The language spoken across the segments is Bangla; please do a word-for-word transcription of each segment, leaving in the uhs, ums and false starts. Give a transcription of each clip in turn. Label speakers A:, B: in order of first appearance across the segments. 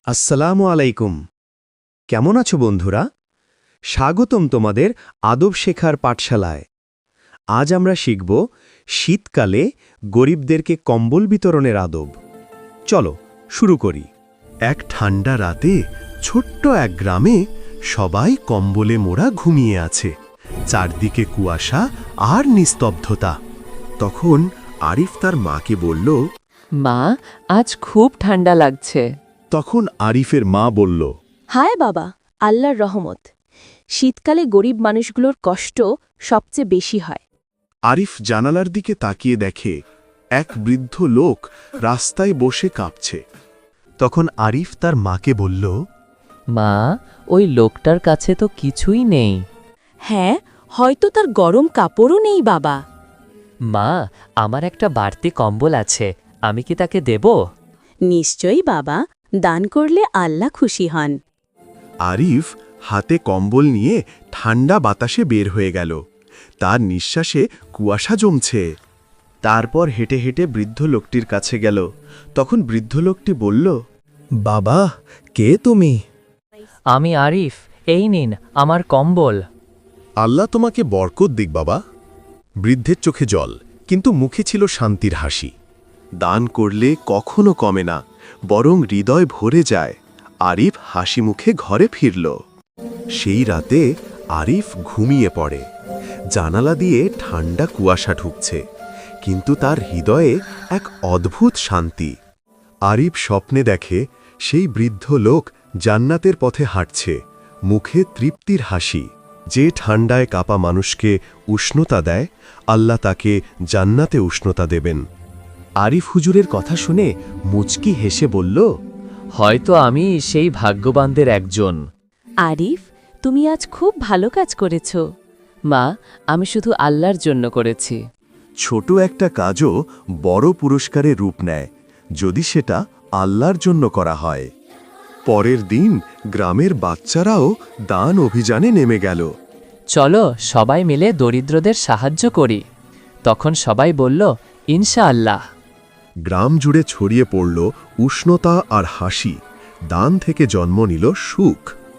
A: আসসালামু আলাইকুম। কেমন আছো বন্ধুরা? স্বাগতম তোমাদের আদব শেখার পাঠশালায়। আজ আমরা শিখব শীতকালে গরিবদেরকে কম্বল বিতরণের আদব। চলো শুরু করি। এক ঠান্ডা রাতে ছোট্ট এক গ্রামে সবাই কম্বলে মোড়া ঘুমিয়ে আছে। চারদিকে কুয়াশা আর নিস্তব্ধতা। তখন আরিফ তার মাকে বলল,
B: মা, আজ খুব ঠান্ডা লাগছে।
A: তখন আরিফের মা বলল,
C: হায় বাবা, আল্লাহর রহমত। শীতকালে গরিব মানুষগুলোর কষ্ট সবচেয়ে বেশি হয়।
A: আরিফ জানালার দিকে তাকিয়ে দেখে এক বৃদ্ধ লোক রাস্তায় বসে কাঁপছে। তখন আরিফ তার মাকে বলল,
B: মা, ওই লোকটার কাছে তো কিছুই নেই।
C: হ্যাঁ, হয়তো তার গরম কাপড়ও নেই বাবা।
B: মা, আমার একটা বাড়তি কম্বল আছে, আমি কি তাকে দেব?
C: নিশ্চয়ই বাবা, দান করলে আল্লাহ খুশি হন।
A: আরিফ হাতে কম্বল নিয়ে ঠান্ডা বাতাসে বের হয়ে গেল। তার নিঃশ্বাসে কুয়াশা জমছে। তারপর হেঁটে হেঁটে বৃদ্ধ লোকটির কাছে গেল। তখন বৃদ্ধ লোকটি বলল, বাবা, কে তুমি?
B: আমি আরিফ, এই নিন আমার কম্বল।
A: আল্লাহ তোমাকে বরকত দিক বাবা। বৃদ্ধের চোখে জল, কিন্তু মুখে ছিল শান্তির হাসি। দান করলে কখনো কমে না, বরং হৃদয় ভরে যায়। আরিফ হাসি মুখে ঘরে ফিরল। সেই রাতে আরিফ ঘুমিয়ে পড়ে। জানালা দিয়ে ঠান্ডা কুয়াশা ঢুকছে, কিন্তু তার হৃদয়ে এক অদ্ভুত শান্তি। আরিফ স্বপ্নে দেখে সেই বৃদ্ধ লোক জান্নাতের পথে হাঁটছে, মুখে তৃপ্তির হাসি। যে ঠান্ডায় কাপা মানুষকে উষ্ণতা দেয়, আল্লাহ তাকে জান্নাতে উষ্ণতা দেবেন। আরিফ হুজুরের কথা শুনে মুচকি হেসে বলল,
B: হয়তো আমি সেই ভাগ্যবানদের একজন।
C: আরিফ, তুমি আজ খুব ভালো কাজ করেছ।
B: মা, আমি শুধু আল্লাহর জন্য করেছি।
A: ছোট একটা কাজও বড় পুরস্কারে রূপ নেয়, যদি সেটা আল্লাহর জন্য করা হয়। পরের দিন গ্রামের বাচ্চারাও দান অভিযানে নেমে গেল।
B: চলো সবাই মিলে দরিদ্রদের সাহায্য করি। তখন সবাই বলল, ইনশাআল্লাহ।
A: গ্রাম জুড়ে ছড়িয়ে পড়ল উষ্ণতা আর হাসি। দান থেকে জন্ম নিল সুখ।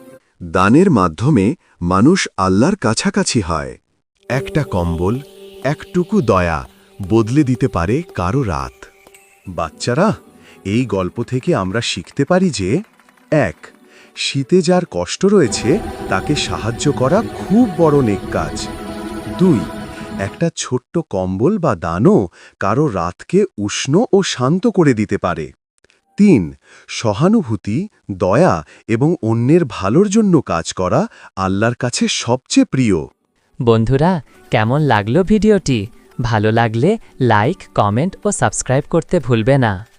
A: দানের মাধ্যমে মানুষ আল্লাহর কাছাকাছি হয়। একটা কম্বল, একটুকু দয়া বদলে দিতে পারে কারো রাত। বাচ্চারা, এই গল্প থেকে আমরা শিখতে পারি যে, এক, শীতে যার কষ্ট রয়েছে তাকে সাহায্য করা খুব বড় নেক কাজ। দুই, একটা ছোট্ট কম্বল বা দানও কারো রাতকে উষ্ণ ও শান্ত করে দিতে পারে। তিন, সহানুভূতি, দয়া এবং অন্যের ভালোর জন্য কাজ করা আল্লাহর কাছে সবচেয়ে প্রিয়।
B: বন্ধুরা, কেমন লাগলো ভিডিওটি? ভালো লাগলে লাইক, কমেন্ট ও সাবস্ক্রাইব করতে ভুলবে না।